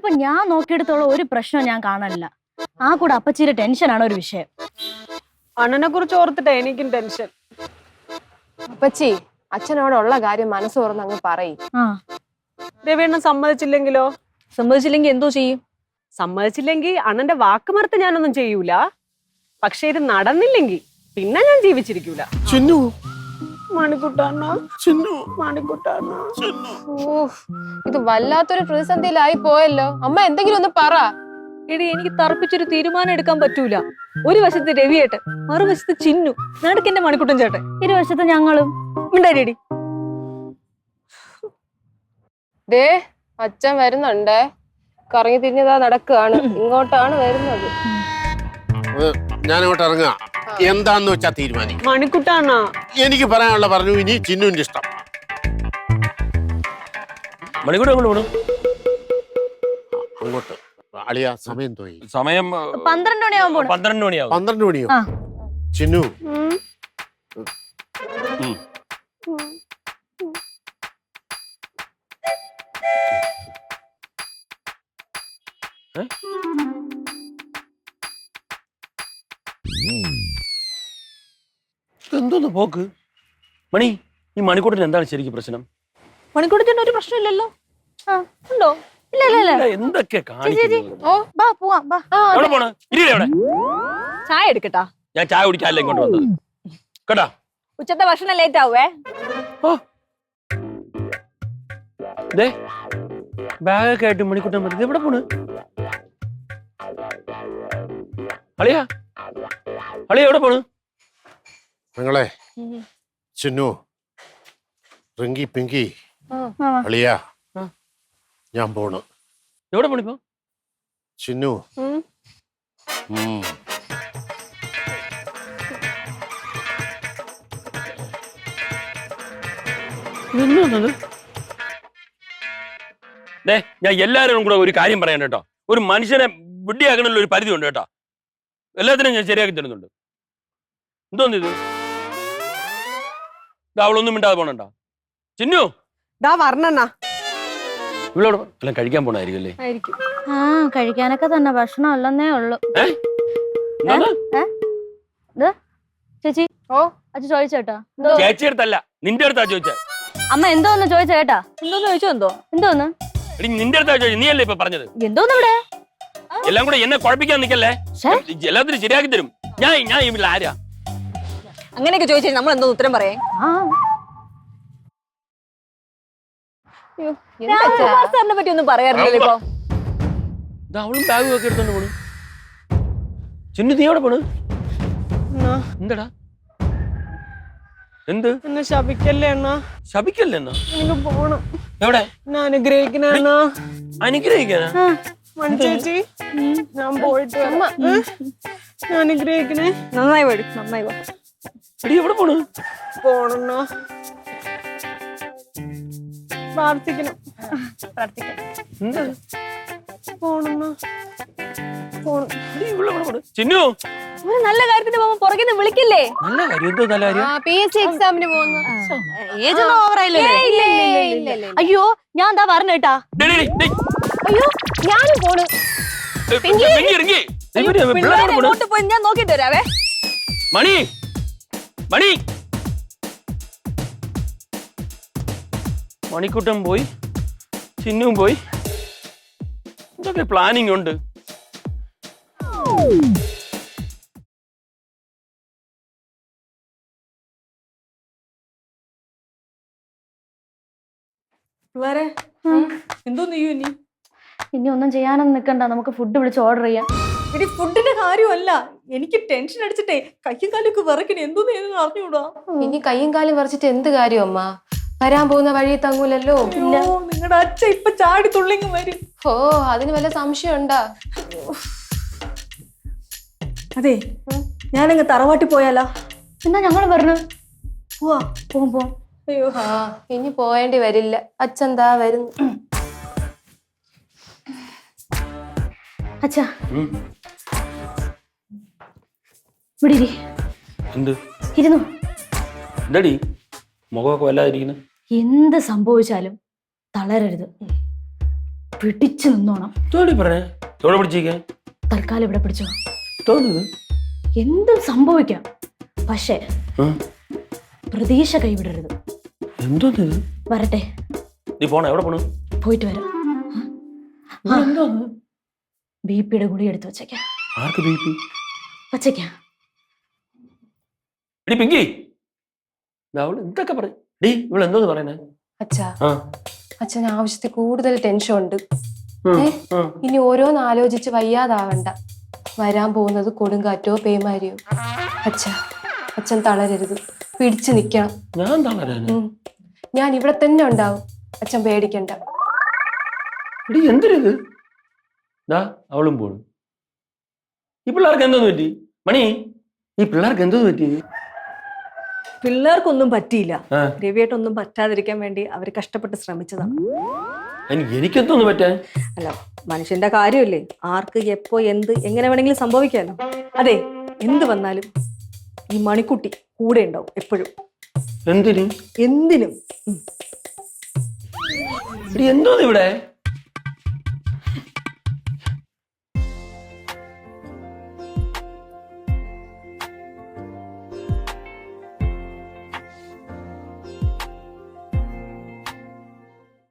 ഇതിപ്പോ ഞാൻ നോക്കിയെടുത്തോളം ഒരു പ്രശ്നം ഞാൻ കാണാനില്ല. ആ കൂടെ അപ്പച്ചിയുടെ ടെൻഷനാണ് ഒരു വിഷയം. അണ്ണനെ കുറിച്ച് ഓർത്തിട്ടാ എനിക്കും ടെൻഷൻ. അപ്പച്ചി അച്ഛനോട് ഉള്ള കാര്യം മനസ്സ് തുറന്ന് അങ്ങ് പറയും. രവിയണ്ണൻ സമ്മതിച്ചില്ലെങ്കിലോ? സമ്മതിച്ചില്ലെങ്കിൽ എന്തോ ചെയ്യും? സമ്മതിച്ചില്ലെങ്കിൽ അണ്ണന്റെ വാക്ക് മറുത്ത് ഞാനൊന്നും ചെയ്യൂല. പക്ഷെ ഇത് നടന്നില്ലെങ്കിൽ പിന്നെ ഞാൻ ജീവിച്ചിരിക്കൂല. മണിക്കുട്ടാണോ? മണിക്കുട്ടാണോ? ഇത് വല്ലാത്തൊരു പ്രതിസന്ധിയിലായി പോയല്ലോ. അമ്മ എന്തെങ്കിലും ഒന്ന് പറ. എടി, എനിക്ക് തറപ്പിച്ചൊരു തീരുമാനം എടുക്കാൻ പറ്റൂല. ഒരു വശത്ത് രവിയേട്ടൻ, മറുവശത്ത് ചിന്നു, നടുക്കെന്റെ മണിക്കുട്ടൻ ചേട്ടൻ, ഇരുവശത്ത് ഞങ്ങളും. ഉണ്ടായിടി ദേ അച്ഛൻ വരുന്നുണ്ടേ. കറങ്ങി തിരിഞ്ഞതാ നടക്കുകയാണ്. ഇങ്ങോട്ടാണ് വരുന്നത്. ഞാനിങ്ങോട്ട് ഇറങ്ങുക. എന്താന്ന് വെച്ചാ തീരുമാനിക്കും. മണിക്കുട്ടാണോ? എനിക്ക് പറയാനുള്ള പറഞ്ഞു. ഇനി ചിന്നുവിന്റെ ഇഷ്ടം. മണിക്കൂർ അങ്ങോട്ട് അളിയ സമയം തോന്നി. സമയം 12 മണിയാവുമ്പോ 12 മണിയാവും. 12 മണിയോ? ചിന്നു എന്തോന്ന് പോക്ക്? മണി, ഈ മണിക്കൂട്ടിന് എന്താണ് ശരിക്കും പ്രശ്നം? മണിക്കൂട്ടത്തിന് ഒരു പ്രശ്നമില്ലല്ലോ. ഉണ്ടോ? എന്തൊക്കെ ചായ എടുക്കട്ടാ? ഞാൻ ചായ കുടിക്കാല്ല ഇങ്ങോട്ട് വന്നത് കേട്ടാ. ഉച്ചത്തെ ഭക്ഷണം ലേറ്റ് ആവേ. ബാഗൊക്കെ ആയിട്ട് മണിക്കൂട്ടൻ പറ്റി എവിടെ പോണ്? അളിയാ, അളിയ എവിടെ പോണ്? നിങ്ങളെ ചിന്നു, റിങ്കി, പിങ്കി, അളിയ, ഞാൻ പോണ്. എവിടെ പോണിപ്പോ? ചിന്നു ഞാൻ എല്ലാവരും കൂടെ ഒരു കാര്യം പറയാൻ കേട്ടോ. ഒരു മനുഷ്യനെ വിഡ്ഢിയാക്കണല്ലോ ഒരു പരിധി ഉണ്ട് കേട്ടോ. എല്ലാത്തിനും ഞാൻ ശരിയാക്കി തരുന്നുണ്ട്. എന്തോന്ന് ഇത്? അവളൊന്നും മിണ്ടാതെ പോണണ്ട. ചിന്നു വർണ്ണ ഇവളോട് എല്ലാം കഴിക്കാൻ പോണായിരിക്കും അല്ലേ? കഴിക്കാനൊക്കെ തന്നെ, ഭക്ഷണം അല്ലെന്നേ ഉള്ളു. ചേച്ചി, അച്ഛൻ ചോദിച്ചേട്ടാ? ചേച്ചി അടുത്തല്ല, നിന്റെ അടുത്താ ചോദിച്ചേ. അമ്മ എന്തോന്ന് ചോദിച്ച കേട്ടാ? എന്തോന്ന് ചോദിച്ചോ? എന്തോന്ന് നിന്റെ അടുത്താ ചോദിച്ചു. നീ അല്ലേ ഇപ്പൊ പറഞ്ഞത്? എന്തോന്ന് ഇവിടെ എല്ലാം കൂടെ എന്നെ കുഴപ്പിക്കാൻ നിക്കല്ലേ. എല്ലാത്തിനും ശരിയാക്കി തരും. ഞാൻ ഇവിടെ ആരാ? അങ്ങനെയൊക്കെ ചോദിച്ചാൽ നമ്മൾ എന്തോ ഉത്തരം പറയേ? സാറിനെ പറ്റി ഒന്നും പറയാറില്ലല്ലോ ഇപ്പൊ. അവളും ബാഗും ഒക്കെ എടുത്തോണ്ട് പോണു. ചിന്നു, നീ എവിടെ പോണ്? എന്താടാ? എന്ത്? എന്നെ ശപിക്കല്ലേ അണ്ണാ? ശപിക്കല്ലേ എന്നാ? എനിക്ക് പോണം. എവിടെ? എന്നെ അനുഗ്രഹിക്കണേ അണ്ണാ. അനുഗ്രഹിക്കാനാ? മണി ചേച്ചി, ഞാൻ പോയിട്ട് അനുഗ്രഹിക്കണേ. നന്നായി വരും, നന്നായി വാ. എവിടെ പോണു? പോണണ്ണാ, പ്രാർത്ഥിക്കണം. പോണണ്ണാ, ചിന്നു, നല്ല കാര്യത്തിന് പോകുമ്പോ പുറകിന്ന് വിളിക്കില്ലേ? നല്ല കാര്യം. എന്തോ നല്ല കാര്യം? PSC എക്സാമിന് പോകുന്നു. അയ്യോ, ഞാൻ എന്താ പറഞ്ഞേട്ടാ? അയ്യോ, ഞാനും പോണു. പോയി ഞാൻ നോക്കിട്ട് വരാവേ. മണി, മണി, മണിക്കൂട്ടം പോയി, ചിന്നുവും പോയി. ഇതൊക്കെ പ്ലാനിങ് ഉണ്ട്. എന്തോ നീ ഇനി ഒന്നും ചെയ്യാനൊന്നും നിക്കണ്ട. നമുക്ക് ഫുഡ് വിളിച്ച് ഓർഡർ ചെയ്യാം. ഇനി ഫുഡിന്റെ കാര്യമല്ല, എനിക്ക് ടെൻഷൻ അടിച്ചിട്ടേ കയ്യും കാലൊക്കെ വിറക്കണേ. എന്തോന്ന് അറിഞ്ഞൂടാ. ഇനി കയ്യും കാലും വിറച്ചിട്ട് എന്ത് കാര്യം അമ്മ? വരാൻ പോകുന്ന വഴി തങ്ങൂലല്ലോ. നിങ്ങളുടെ അച്ഛൻ ഇപ്പൊ ചാടി തുള്ളിങ്ങ് വരും. അതിന് വല്ല സംശയം ഉണ്ടാ? അതെ, ഞാനങ്ങ് തറവാട്ടി പോയാലോ? എന്നാ ഞങ്ങൾ പറഞ്ഞു പോവാ. പോകുമ്പോ അയ്യോ, ഇനി പോയേണ്ടി വരില്ല. അച്ഛൻ ദാ വരുന്നു. അച്ഛാ, ഇവിടെ ഇരുന്നു. എന്താടി മുഖമൊക്കെ വല്ലാതിരിക്കുന്നു? എന്ത് സംഭവിച്ചാലും തളരരുത്. പിടിച്ചു നിന്നോണം. തോടി പറഞ്ഞേ തോടെ പിടിച്ചിരിക്കാൻ തൽക്കാലം ഇവിടെ പിടിച്ചോ. തോന്നുന്നു എന്തും സംഭവിക്കാം, പക്ഷേ പ്രതീക്ഷ കൈവിടരുത്. എന്തോന്നത്? വരട്ടെ, നീ പോണ എവിടെ പോണു? പോയിട്ട് വരാം. എന്തോന്ന്? ബിപിയുടെ ഗുളി എടുത്ത് വച്ചേക്കാം. ആർക്ക് ബിപി? വച്ചേക്കാം. എടി പിങ്കി, അവള് എന്തൊക്കെ പറയും? ഡീ ഇവള് എന്തോന്ന് പറയുന്നേ? അച്ഛാ, ആ അച്ഛന് ആവശ്യത്തിൽ കൂടുതൽ ടെൻഷൻ ഉണ്ട്. ഉം, ഏ? ഉം. ഇനി ഓരോന്ന് ആലോചിച്ച് വയ്യാതാവണ്ട. വരാൻ പോകുന്നത് കൊടുങ്കാറ്റോ പേമാരിയോ. അച്ഛൻ തളരരുത്, പിടിച്ചു നിക്കണം. ഞാൻ തളരാന്? ഞാൻ ഇവിടെ തന്നെ ഉണ്ടാവും, അച്ഛൻ പേടിക്കണ്ട. എടി എന്തിനത്? ദാ അവളും പോണു. ഈ പിള്ളേർക്ക് എന്തോന്ന് പറ്റി? മണി, ഈ പിള്ളേർക്ക് എന്തോന്ന് പറ്റി? പിള്ളേർക്കൊന്നും പറ്റിയില്ല. ആ. രവിയേട്ടൊന്നും പറ്റാതിരിക്കാൻ വേണ്ടി അവർ കഷ്ടപ്പെട്ട് ശ്രമിച്ചതാണ്. എനിക്കെന്തോന്ന് പറ്റാൻ? അല്ല, മനുഷ്യന്റെ കാര്യമല്ലേ, ആർക്ക് എപ്പോ എന്ത് എങ്ങനെ വേണമെങ്കിലും സംഭവിക്കാലോ. അതെ, എന്ത് വന്നാലും ഈ മണിക്കുട്ടി കൂടെ ഉണ്ടാവും എപ്പോഴും. എന്തിന്? എന്തിനും. എടി എന്തോന്ന് ഇവിടെ?